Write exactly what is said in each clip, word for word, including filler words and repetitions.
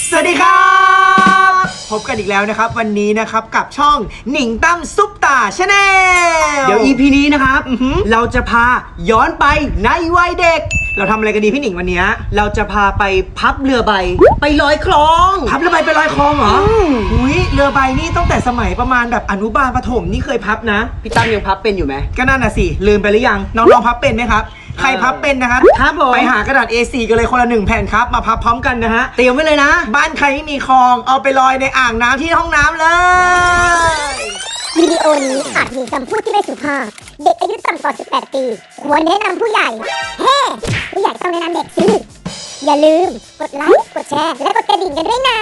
สวัสดีครับพบกันอีกแล้วนะครับวันนี้นะครับกับช่องหนิงตั้มซุปตาชาแนลเดี๋ยว อี พี นี้นะครับเราจะพาย้อนไปในวัยเด็กเราทำอะไรกันดีพี่หนิงวันนี้เราจะพาไปพับเรือใบไปลอยคลองพับเรือใบไปลอยคลองเหรออุ้ยเรือใบนี่ตั้งแต่สมัยประมาณแบบอนุบาลประถมนี่เคยพับนะพี่ตั้มยังพับเป็นอยู่ไหมก็นั่นน่ะสิลืมไปหรือยังน้องๆพับเป็นไหมครับใครพับเป็นนะครับครับผมไปหากระดาษ เอ โฟร์ กันเลยคนละหนึ่งแผ่นครับมาพับพร้อมกันนะฮะเตรียมไว้เลยนะบ้านใครไม่มีคลองเอาไปลอยในอ่างน้ำที่ห้องน้ำเลยวิดีโอนี้อาจมีคำพูดที่ไม่สุภาพเด็กอายุต่ำกว่าสิบแปดปีควรแนะนำผู้ใหญ่เฮ้ผู้ใหญ่ต้องแนะนำเด็กสิอย่าลืมกดไลค์กดแชร์และกดกระดิ่งกันด้วยนะ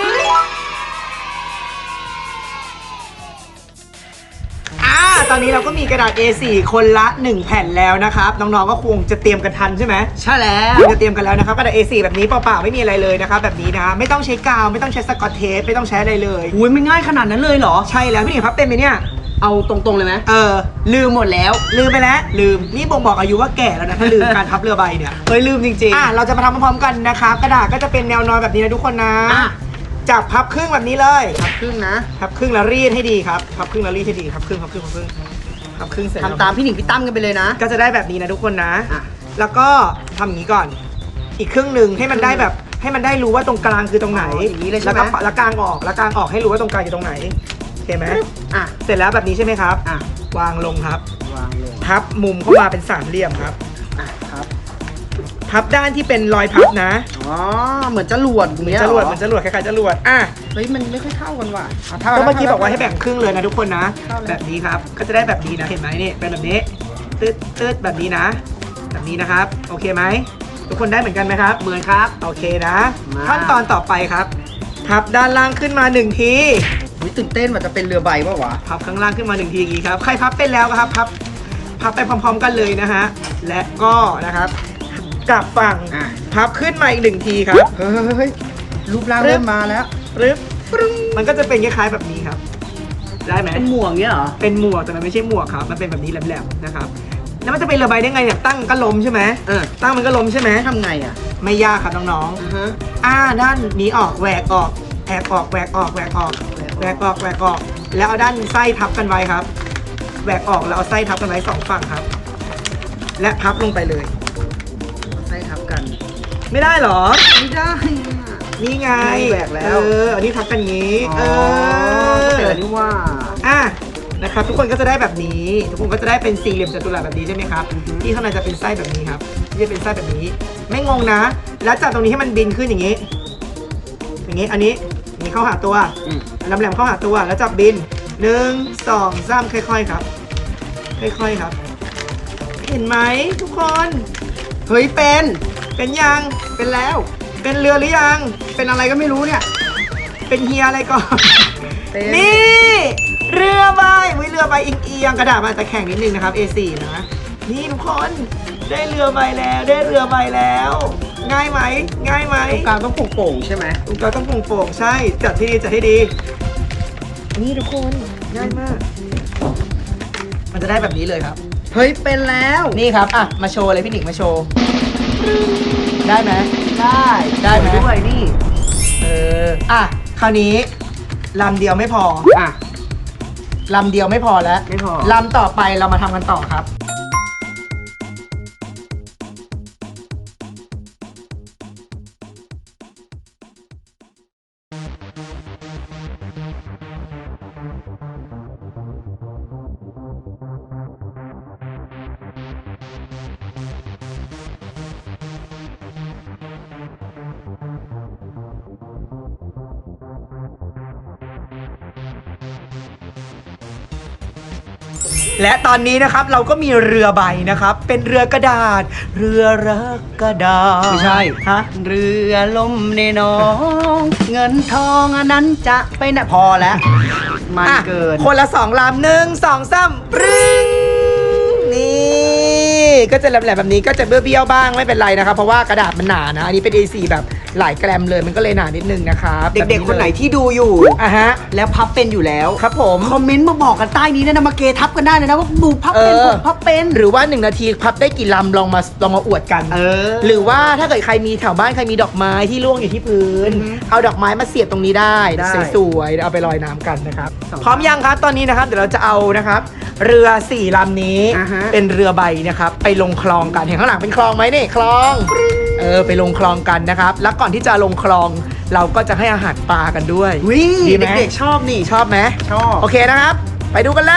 ตอนนี้เราก็มีกระดาษ เอ โฟร์ คนละหนึ่งแผ่นแล้วนะครับน้องๆก็คงจะเตรียมกันทันใช่ไหมใช่แล้วจะเตรียมกันแล้วนะครับกระดาษ เอ โฟร์ แบบนี้เปล่าๆไม่มีอะไรเลยนะครับแบบนี้นะไม่ต้องใช้กาวไม่ต้องใช้สกอตเทปไม่ต้องใช้อะไรเลยอุ้ยไม่ง่ายขนาดนั้นเลยเหรอใช่แล้วพี่หนิงพับเป็นไหมเนี่ยเอาตรงๆเลยไหมเออลืมหมดแล้วลืมไปแล้วลืมนี่บ่งบอกอายุว่าแก่แล้วนะถ้าลืมการพับเรือใบเนี่ยเฮ้ยลืมจริงๆอ่ะเราจะมาทำพร้อมๆกันนะครับกระดาษก็จะเป็นแนวนอนแบบนี้นะทุกคนนะจับพับครึ่งแบบนี้เลยพับครึ่งนะพับครึ่งแล้วรีดให้ดีครับพับครึ่งแล้วรีดให้ดีพับครึ่งพับครึ่งพับครึ่งพับครึ่งเสร็จทำตามพี่หนิงพี่ตั้มกันไปเลยนะก็จะได้แบบนี้นะทุกคนนะแล้วก็ทำอย่างนี้ก่อนอีกครึ่งหนึ่งให้มันได้แบบให้มันได้รู้ว่าตรงกลางคือตรงไหนอย่างนี้เลยใช่ไหมแล้วกลางออกแล้วกลางออกให้รู้ว่าตรงกลางอยู่ตรงไหนโอเคไหมอ่ะเสร็จแล้วแบบนี้ใช่ไหมครับอ่ะวางลงครับวางลงพับมุมเข้ามาเป็นสามเหลี่ยมครับอ่ะครับพับด้านที่เป็นรอยพับนะอ๋อเหมือนจรวดเหมือนจรวดเหมือนจรวดคล้ายๆจรวดอ่ะเฮ้ยมันไม่ค่อยเข้ากันว่ะก็เมื่อกี้บอกว่าให้แบ่งครึ่งเลยนะทุกคนนะแบบนี้ครับก็จะได้แบบนี้นะเห็นไหมนี่เป็นแบบนี้ตืดตืดแบบนี้นะแบบนี้นะครับโอเคไหมทุกคนได้เหมือนกันไหมครับเหมือนครับโอเคนะขั้นตอนต่อไปครับพับด้านล่างขึ้นมาหนึ่งทีวิตื่นเต้นว่าจะเป็นเรือใบป่าวะพับข้างล่างขึ้นมาหนึ่งทีอย่างนี้ครับใครพับเป็นแล้วครับพับพับไปพร้อมๆกันเลยนะฮะและก็นะครับกลับฝั่งพับขึ้นมาอีกหนึ่งทีครับเฮ้ยรูปร่างเริ่มมาแล้วปึ๊บมันก็จะเป็นคล้ายๆแบบนี้ครับได้ไหมเป็นหมวกเนี้ยเหรอเป็นหมวกแต่มันไม่ใช่หมวกครับมันเป็นแบบนี้แหลมๆนะครับแล้วมันจะเป็นเรือใบได้ไงเนี่ยตั้งก็ล้มใช่ไหมเออตั้งมันก็ล้มใช่ไหมทำไงอ่ะไม่ยากครับน้องๆอ่าด้านนี้ออกแหวกออกแอบออกแหวกออกแหวกออกแหวกออกแหวกออกแล้วเอาด้านไส้ทับกันไว้ครับแหวกออกแล้วเอาไส้ทับกันไว้สองฝั่งครับและพับลงไปเลยไส้ทับกันไม่ได้หรอไม่ได้นี่ไงแหวกแล้วเอออันนี้ทับกันงี้เออแต่นี่ว่าอ่ะนะครับทุกคนก็จะได้แบบนี้ทุกคนก็จะได้เป็นสี่เหลี่ยมจัตุรัสแบบนี้ใช่ไหมครับที่ข้างในจะเป็นไส้แบบนี้ครับที่จะเป็นไส้แบบนี้ไม่งงนะแล้วจับตรงนี้ให้มันบินขึ้นอย่างนี้อย่างนี้อันนี้อย่างนี้เข้าหาตัวแหลมๆเข้าหาตัวแล้วจับบินหนึ่งสองสามค่อยๆครับค่อยๆครับเห็นไหมทุกคนเฮ้ยเป็นเป็นยังเป็นแล้วเป็นเรือหรือยังเป็นอะไรก็ไม่รู้เนี่ยเป็นเฮียอะไรก่อนนี่เรือใบวิเรือใบอิงเอียงกระดาษมาแต่แข็งนิดนึงนะครับ เอ โฟร์ นะนี่ทุกคนได้เรือใบแล้วได้เรือใบแล้วง่ายไหมง่ายไหมตรงกลางต้องโป่งๆใช่ไหมตรงกลางต้องโป่งๆใช่จัดที่ดีจัดให้ดีนี่ทุกคนง่ายมากมันจะได้แบบนี้เลยครับเฮ้ยเป็นแล้วนี่ครับอ่ะมาโชว์เลยพี่หนิงมาโชว์ได้ไหมได้ได้ไหมด้วยนี่เอออ่ะคราวนี้ลำเดียวไม่พออ่ะลำเดียวไม่พอแล้วไม่พอลำต่อไปเรามาทำกันต่อครับและตอนนี้นะครับเราก็มีเรือใบนะครับเป็นเรือกระดาษเรือรักกระดาษไม่ใช่ฮะเรือล่มในหนองเงินทองอันนั้นจะไปไหนพอแล้วมันเกินคนละสองลำหนึ่งสองสามปรึ้งนี่ก็จะแหลมๆแบบนี้ก็จะเบี้ยวๆบ้างไม่เป็นไรนะครับเพราะว่ากระดาษมันหนานะอันนี้เป็น เอ โฟร์ แบบหลายแกรมเลยมันก็เลยหนานิดนึงนะครับเด็กๆคนไหนที่ดูอยู่อ่ะฮะแล้วพับเป็นอยู่แล้วครับผมคอมเมนต์มาบอกกันใต้นี้นะมาเกทับกันได้เลยนะว่าดูพับเป็นเออผมพับเป็นหรือว่าหนึ่งนาทีพับได้กี่ลำลองมาลองมาอวดกันเออหรือว่าถ้าเกิดใครมีแถวบ้านใครมีดอกไม้ที่ร่วงอยู่ที่พื้นอือฮึเอาดอกไม้มาเสียบตรงนี้ได้ได้สวยๆเอาไปลอยน้ำกันนะครับสองพร้อมยังครับตอนนี้นะครับเดี๋ยวเราจะเอานะครับเรือสี่ลำนี้อ่าฮะเป็นเรือใบนะครับไปลงคลองกันเห็นข้างหลังเป็นคลองไหมนี่คลองเออไปลงคลองกันนะครับแล้วก่อนที่จะลงคลองเราก็จะให้อาหารปลากันด้วยวิดีไหมเด็กๆชอบนี่ชอบไหมชอบโอเคนะครับ ไปดูกันเลย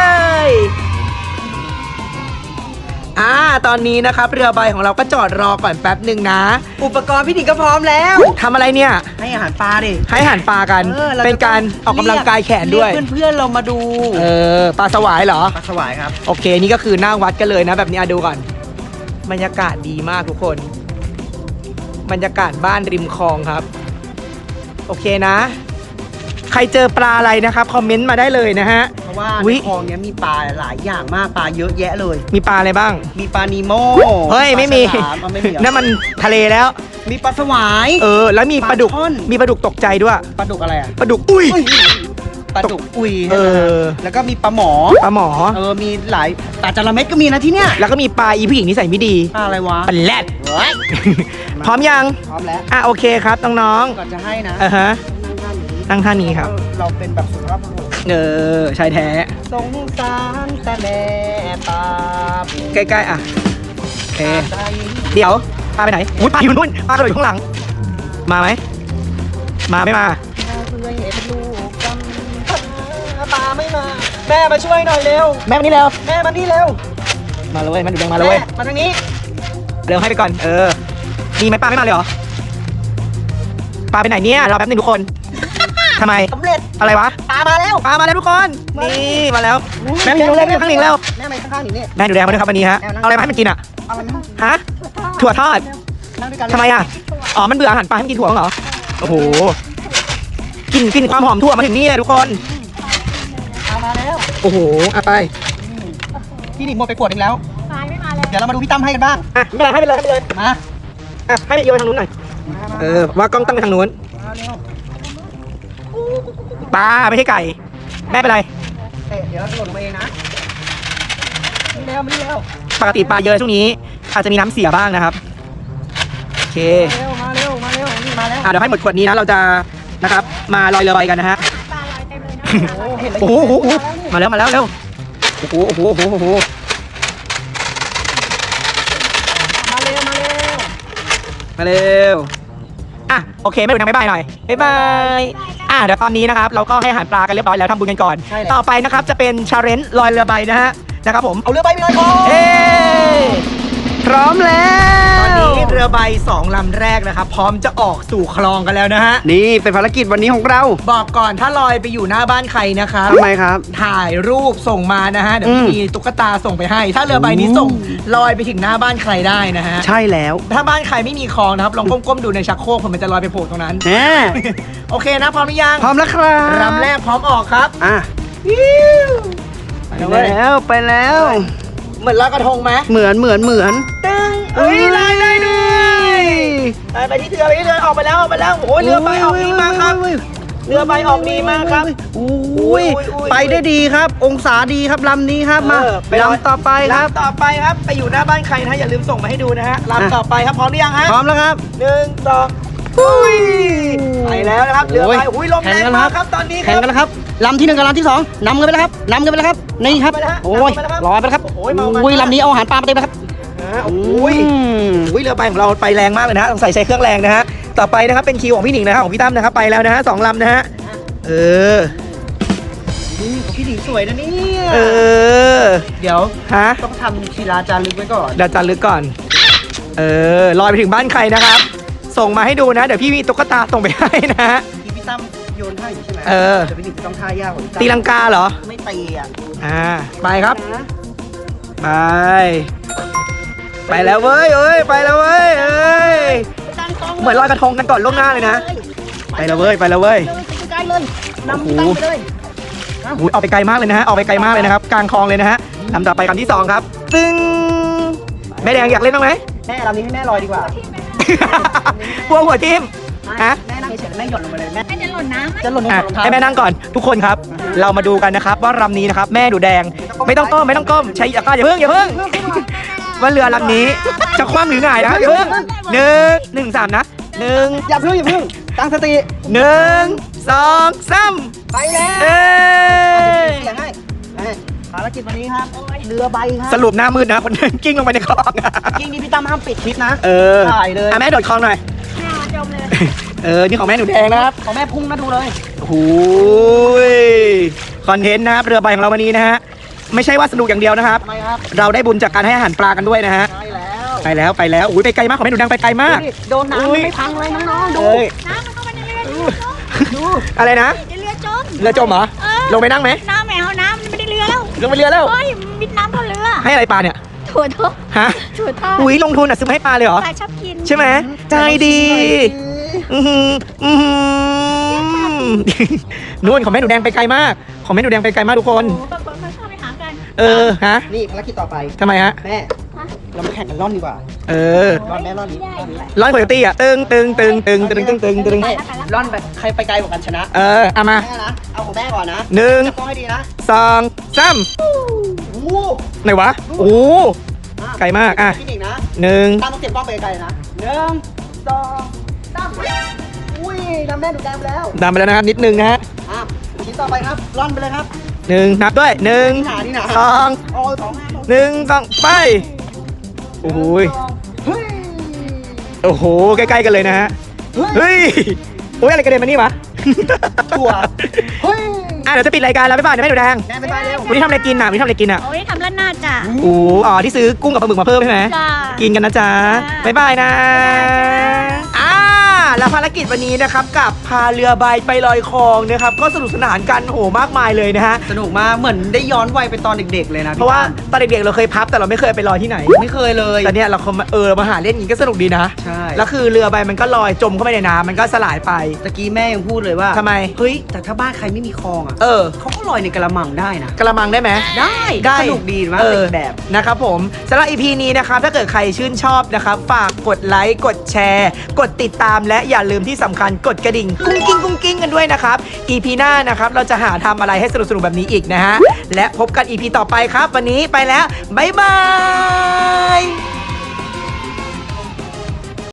อ่า ตอนนี้นะครับเรือใบของเราก็จอดรอก่อนแป๊บหนึ่งนะอุปกรณ์พี่หนิงก็พร้อมแล้วทำอะไรเนี่ยให้อาหารปลาดิให้อาหารปลากันออเป็นการออกกำลังกายแขนด้วยเรีกเพื่อนๆเรามาดูเออ ปลาสวายเหรอปลาสวายครับโอเค นี่ก็คือหน้าวัดกันเลยนะ แบบนี้อ่ะดูก่อน บรรยากาศดีมากทุกคน บรรยากาศบ้านริมคลองครับ โอเคนะ ใครเจอปลาอะไรนะครับ คอมเมนต์มาได้เลยนะฮะเพราะว่าอุ๊ในยคลองเนี้ยมีปลาหลายอย่างมากปลาเยอะแยะเลยมีปลาอะไรบ้างมีปลานีโมเฮ้ย ไม่มีปลาฉลามเอาไม่มีเหรอนั่นมันทะเลแล้วมีปลาสวายเออ แล้วมีปลาดุกปลาช่อนมีปลาดุกตกใจด้วยปลาดุกอะไรอ่ะปลาดุก อุ้ยปลาดุกอุยเออแล้วก็มีปลาหมอปลาหมอเออมีหลายปลาจระเม็ดก็มีนะที่เนี้ยแล้วก็มีปลาอีผู้หญิงนิสัยไม่ดีปลาอะไรวะปลาแรดเฮ้ยพร้อมยังพร้อมแล้วอ่ะโอเคครับน้องก่อนจะให้นะๆอ่ะฮะ นั่งท่านี้ครับเราเป็นแบบสุภาพบุรุษเออชายแท้สงสารแต่แม่ปลาบูใกล้ๆอ่ะ โอเคใจเดี๋ยวปลาไปไหนอุ้ยปลาอยู่นู่นปลากระโดดอยู่ข้างหลัง มาไหม มาไม่มาเพื่อเห็นลูกกันปลาไม่มา แม่มาช่วยหน่อยเร็วแม่มานี่เร็วแม่มานี่เร็วมาเลยมาดูแดงมาเลยเว้ยแมาทางนี้เร็วให้ไปก่อน เออ มีไหมปลาไม่มาเลยเหรอ ปลาไปไหนเนี่ยรอแป๊บนึงทุกคนทำไมสำเร็จอะไรวะปลามาแล้วปลามาแล้วทุกคนมาแล้วนี่มาแล้ว แม่มีรู้เรื่องข้างหนึ่งแล้วแม่มาข้างๆหนิงนี่แม่ดูแดงมาด้วยครับวันนี้ฮะ เอาอะไรมาให้มันกินอ่ะเอาอะไรมาฮะ ถั่วทอดนั่งด้วยกันทำไมอ่ะ อ๋อ มันเบื่ออาหารปลาให้มันกินถั่วเหรอ โอ้โห กลิ่นกลิ่นความหอมถั่วมาถึงนี่เลยทุกคนปลามาแล้วโอ้โหเอาไปพี่หนิงหมดไปขวดหนึงแล้วเดี๋ยวเรามาดูพี่ตั้มให้กันบ้างอ่ะไม่เป็นไรให้ไปเลยให้ไปเลยมาอ่ะให้ไปโยนทางนู้นหน่อย เออ ว่ากล้องตั้งไปทางนู้นมาเร็วปลาไม่ใช่ไก่ แม่เป็นไรเตะเดี๋ยวเราจะหล่นลงมาเองนะนี่เร็วมานี่เร็วปกติปลาเยอะช่วงนี้ อาจจะมีน้ำเสียบ้างนะครับ โอเคมาเร็วมาเร็วมาเร็วนี่มาแล้วอ่ะเดี๋ยวให้หมดขวดนี้นะ เราจะนะครับ มาลอยเรือใบกันนะฮะโอ้เห็นแล้วโอ้โหโอ้โหมาแล้วมาแล้วเร็ว โอ้โหโอ้โหโอ้โหโอ้โหมาเร็วมาเร็วมาเร็ว อ่ะโอเคไม่ดูนะบ๊ายบายหน่อยบ๊ายบาย อ่ะเดี๋ยวตอนนี้นะครับเราก็ให้อาหารปลากันเรียบร้อยแล้วทำบุญกันก่อน ต่อไปนะครับจะเป็นชาเลนจ์ลอยเรือใบนะฮะ นะครับผมเอาเรือใบไปเลยคอเอ้พร้อมแล้วตอนนี้เรือใบสองลำแรกนะครับ พร้อมจะออกสู่คลองกันแล้วนะฮะนี่เป็นภารกิจวันนี้ของเราบอกก่อนถ้าลอยไปอยู่หน้าบ้านใครนะครับทำไมครับถ่ายรูปส่งมานะฮะ เดี๋ยวอืมมีตุ๊กตาส่งไปให้ ถ้าเรือใบนี้ส่งลอยไปถึงหน้าบ้านใครได้นะฮะใช่แล้วถ้าบ้านใครไม่มีคลองนะครับ ลองก้มๆดูในชักโครกมันจะลอยไปโผล่ตรงนั้นแหมโอเคนะพร้อมหรือยังพร้อมแล้วครับลำแรกพร้อมออกครับอ่ะไปไปแล้วเว้ยแล้วไปแล้วเหมือนลอยกระทงไหมเหมือนเหมือนเหมือนตึ้งเอ้ยได้ได้ด้วยไปไปที่เรือไปที่เรือออกไปแล้วออกไปแล้วโอ้ยเรือใบออกดีมากครับ เรือใบออกดีมากครับอุ้ยอุ้ยอุ้ยไปได้ดีครับ องศาดีครับลำนี้ครับมาเออไปลอยลำต่อไปครับลำต่อไปครับไปอยู่หน้าบ้านใครนะอย่าลืมส่งมาให้ดูนะฮะลำต่อไปครับพร้อมหรือยังฮะพร้อมแล้วครับหนึ่งสองอุ้ยไปแล้วนะครับเรือใบโอ้ยอุ้ยลมแรงมากครับตอนนี้คแข่งรับกันแล้วครับลำที่หนึ่งกับลำที่สองนำกันไปแล้วครับนำกันไปแล้วครับนี่ครับนำไปแล้วฮะโอ้ยนำไปแล้วครับลอยไปแล้วครับโอ้ยเมามันอุ้ยลำนี้เอาอาหารปลามาเต็มเลยครับอ่าอุ้ยมอุ้ยเรือใบของเราไปแรงมากเลยนะฮะต้องใส่ใช้เครื่องแรงนะฮะต่อไปนะครับเป็นคิวของพี่หนิงนะครับของพี่ตั้มนะครับไปแล้วนะฮะสองลำนะฮะเออนี่พี่หนิงสวยนะเนี่ยเออเดี๋ยวฮะต้องทำศิลาจารึกไว้ก่อนเดี๋ยวจันลึกก่อน เออลอยไปถึงบ้านใครนะครับ ส่งมาให้ดูนะ เดี๋ยวพี่มีตุ๊กตาส่งไปให้นะฮะที่พี่ตั้มโยนท่าอยู่ใช่ไหมเออแต่พี่หนิงต้องท่ายากกว่าพี่ตั้มตีลังกาเหรอไม่ตีอ่ะอ่าไปครับนะไป ไปแล้วเว้ยเอ้ยไปแล้วเว้ยเอ้ยเหมือนลอยกระทงกันก่อนล่วงหน้าเลยนะ ไปแล้วเว้ยไปแล้วเว้ยใกล้เลยนำพี่ตั้มไปเลยอุ้ยออกไปไกลมากเลยนะฮะออกไปไกลมากเลยนะครับกลางคลองเลยนะฮะลำต่อไปลำที่สองครับตึ้งแม่แดงอยากเล่นบ้างไหมแม่ลำนี้ให้แม่ลอยดีกว่ากลัวหัวทิ่มฮะแม่นั่งเฉยๆแม่หย่อนลงไปเลยแม่แม่จะหล่นน้ำไหมจะหล่นลงอ่ะรองเท้าให้แม่นั่งก่อนทุกคนครับ เรามาดูกันนะครับว่าลำนี้นะครับ แม่ดูแดงไม่ต้องก้มไม่ต้องก้มใช้อย่าก้าอย่าเพิ่งอย่าเพิ่งว่าเรือลำนี้จะคว่ำหรือไงนะอย่าเพิ่งหนึ่งหนึ่งสามนะหนึ่งอย่าเพิ่งอย่าเพิ่งตั้งสติหนึ่งสองสามไปแล้วเอ้ยเสียงให้ให้ภารกิจวันนี้ครับเรือใบครัสรุปหน้ามืดนะคนเดินกิ้งลงไปในคลองจริงนี่พี่ตั้มห้ามปิดคลิปนะเออถ่ายเลยอ่ะแม่โดดคลองหน่อยแม่จมเลยเออนี่ของแม่หนูแดงนะครับของแม่พุ่งนะดูเลยโอ้โหคอนเทนต์นะครับเรือใบของเราวันนี้นะฮะไม่ใช่ว่าสนุกอย่างเดียวนะครับทำไมครับเราได้บุญจากการให้อาหารปลากันด้วยนะฮะใช่แล้วไปแล้วไปแล้วอุ้ยไปไกลมากของแม่หนูแดงไปไกลมากดูดิโดนน้ำมันไม่พังเลยน้องๆดูเอ้ยน้ำมันเข้ามาในเรือดูดูอะไรนะเรือจมเรือจมเหรอเออลงไปนั่งไหมน้ำแมวน้ำมันไม่ได้เรือแล้วลงไปเรือแล้วเฮ้ยมิดน้ำเท่าเรือให้อะไรปลาเนี่ยถั่วทอดฮะถั่วทอดอุ้ยลงทุนอ่ะซื้อมาให้ปลาเลยเหรอปลาชอบกินใช่ไหมใจดีอือหืออือหือนู่นของแม่หนูแดงไปไกลมาก ของแม่หนูแดงไปไกลมากทุกคนโอ้บางคนเขาชอบไปหากันเออฮะนี่ภารกิจต่อไปทำไมฮะแม่ เรามาแข่งกันร่อนดีกว่าเออร่อนแม่ร่อนนี้ร่อนนี้ร้อยโคโยตี้อ่ะตึงตึงตึงตึงตึงตึงตึงตึงแม่ร่อนแบบใครไปไกลกว่ากันชนะเออเอามาแม่นะ เอาของแม่ก่อนนะหนึ่งจับกล้องให้ดีนะสองสามโอ้โหไหนวะโอ้ไกลมากอ่ะพี่หนิงนะหนึ่งตั้งต้องเก็บกล้องไปไกลๆนะหนึ่งสองสามอุ้ยน้ำแม่ดูดแดงไปแล้วดำไปแล้วนะครับนิดนึงนะฮะอ่ะชิ้นต่อไปครับ ร่อนไปเลยครับหนึ่งนับด้วยหนึ่งนี่หนานี่หนาสองโอ้ยสองห้าหนึ่งสองไปโอ้โหยเฮ้ยโอ้โหใกล้ๆกันเลยนะฮะเฮ้ยเฮ้ยโอ้ยอะไรกระเด็นมานี่วะถั่วเฮ้ยอ่ะเดี๋ยวจะปิดรายการแล้วบ๊ายบายนะแม่หนูแดงแม่ไปไปเร็ววันนี้ทำอะไรกินอ่ะวันนี้ทำอะไรกินอ่ะโอ้ยทำร้านหน้าจ้ะโอ้อ๋อที่ซื้อกุ้งกับปลาหมึกมาเพิ่มใช่ไหมจ้ากินกันนะจ๊ะจ้าบ๊ายบายนะอ่าแล้วภารกิจวันนี้นะครับกับพาเรือใบไปลอยคลองนะครับก็สนุกสนานกันโหมากมายเลยนะฮะสนุกมากเหมือนได้ย้อนวัยไปตอนเด็กๆเลยนะเพราะว่าตอนเด็กๆเราเคยพับแต่เราไม่เคยไปลอยที่ไหนไม่เคยเลยแต่เนี่ยเราเออมาหาเล่นอย่างนี้ก็สนุกดีนะใช่แล้วคือเรือใบมันก็ลอยจมเข้าไปในน้ำมันก็สลายไปตะกี้แม่ยังพูดเลยว่าทำไมเฮ้ยแต่ถ้าบ้านใครไม่มีคลองอ่ะเออเขาก็ลอยในกระมังได้นะกระมังได้ไหมได้ได้สนุกดีมากเออเป็นแบบนะครับผมสำหรับ อี พี นี้นะครับถ้าเกิดใครชื่นชอบนะครับฝากกดไลค์กดแชร์ กดติดตามและอย่าลืมที่สำคัญกดกระดิ่งกุ้งกิ้งกุ้งกิ้งกันด้วยนะครับ อี พี หน้านะครับเราจะหาทำอะไรให้สนุกๆแบบนี้อีกนะฮะและพบกัน อี พี ต่อไปครับ วันนี้ไปแล้วบ๊ายบาย